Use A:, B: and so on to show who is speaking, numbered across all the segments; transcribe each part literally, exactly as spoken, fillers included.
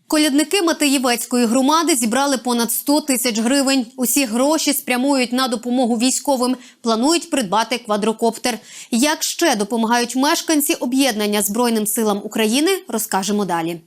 A: Колядники Матеєвецької громади зібрали понад сто тисяч гривень. Усі гроші спрямують на допомогу військовим. Планують придбати квадрокоптер. Як ще допомагають мешканці об'єднання Збройним силам України, розкажемо далі.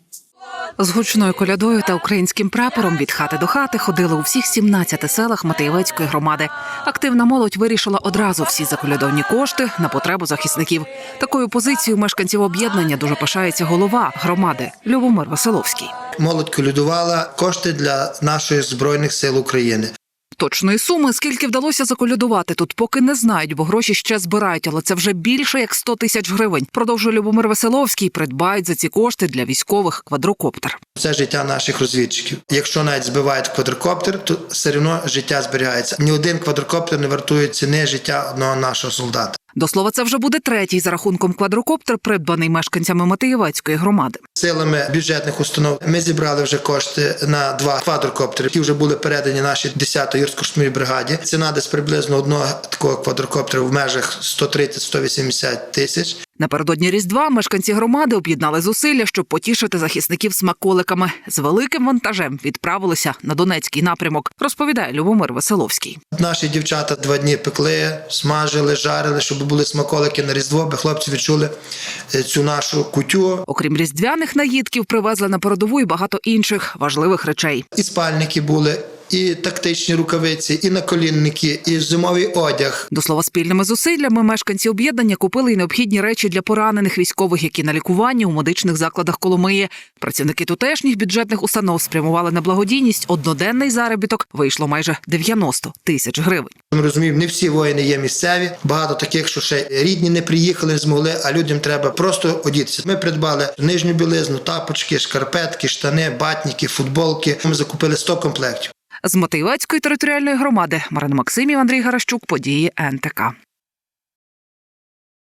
B: З гучною колядою та українським прапором від хати до хати ходили у всіх сімнадцяти селах Матеєвецької громади. Активна молодь вирішила одразу всі заколядовні кошти на потребу захисників. Такою позицією мешканців об'єднання дуже пишається голова громади Любомир Веселовський.
C: Молодь колядувала кошти для наших Збройних сил України.
B: Точної суми, скільки вдалося заколядувати, тут поки не знають, бо гроші ще збирають, але це вже більше як сто тисяч гривень. Продовжує Любомир Веселовський, придбають за ці кошти для військових квадрокоптер.
C: Це життя наших розвідчиків. Якщо навіть збивають квадрокоптер, то все одно життя зберігається. Ні один квадрокоптер не вартує ціни життя одного нашого солдата.
B: До слова, це вже буде третій за рахунком квадрокоптер, придбаний мешканцями Матеєвецької громади.
C: Силами бюджетних установ ми зібрали вже кошти на два квадрокоптери, які вже були передані нашій десятій гірсько-штурмовій бригаді. Ціна десь приблизно одного такого квадрокоптера в межах сто тридцять - сто вісімдесят тисяч.
B: Напередодні Різдва мешканці громади об'єднали зусилля, щоб потішити захисників смаколиками. З великим вантажем відправилися на Донецький напрямок, розповідає Любомир Веселовський.
C: Наші дівчата два дні пекли, смажили, жарили, щоб були смаколики на Різдво, аби хлопці відчули цю нашу кутю.
B: Окрім різдвяних наїдків, привезли на передову й багато інших важливих речей.
C: І спальники були, і тактичні рукавиці, і наколінники, і зимовий одяг.
B: До слова, спільними зусиллями мешканці об'єднання купили й необхідні речі для поранених військових, які на лікуванні у медичних закладах Коломиї. Працівники тутешніх бюджетних установ спрямували на благодійність. Одноденний заробіток вийшло майже дев'яносто тисяч гривень.
C: Ми розуміємо, не всі воїни є місцеві. Багато таких, що ще рідні не приїхали, не змогли, а людям треба просто одітися. Ми придбали нижню білизну, тапочки, шкарпетки, штани, батніки, футболки. Ми закупили сто комплектів.
B: З Матеєвецької територіальної громади Марина Максимів, Андрій Гаращук, події ен те ка.